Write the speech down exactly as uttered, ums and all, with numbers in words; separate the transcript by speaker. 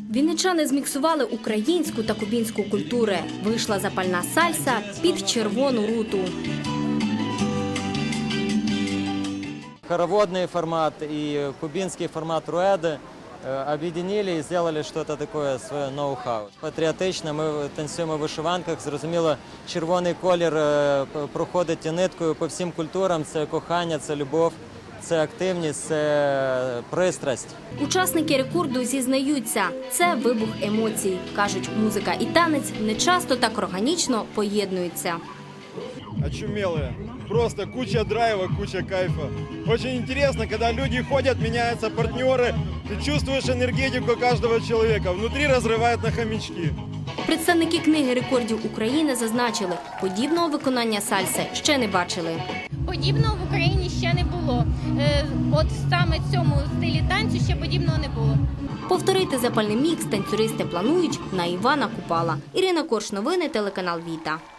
Speaker 1: Вінничани зміксували українську та кубінську культури. Вийшла запальна сальса під червону руту.
Speaker 2: Хороводный формат и кубинский формат руэды объединили и сделали что-то такое, свое ноу-хау. Патріотично ми танцюємо в вишиванках. Зрозуміло, червоний колір проходить ниткою по всім культурам. Це кохання, це любов, це активність, це пристрасть.
Speaker 1: Учасники рекорду зізнаються, це вибух емоцій. Кажуть, музика і танець не часто так органічно поєднуються.
Speaker 3: Очумелые. Просто куча драйва, куча кайфа. Очень интересно, когда люди ходят, меняются партнеры, ты чувствуешь энергетику каждого человека, внутри разрывает на хомячки.
Speaker 1: Представники книги рекордів України зазначили, подібного виконання сальси ще не бачили.
Speaker 4: Подібного в Україні ще не було. От саме цьому стилі танцю ще подібного не було.
Speaker 1: Повторити запальний мікс танцюристи планують на Івана Купала. Ірина Корш, новини, телеканал Віта.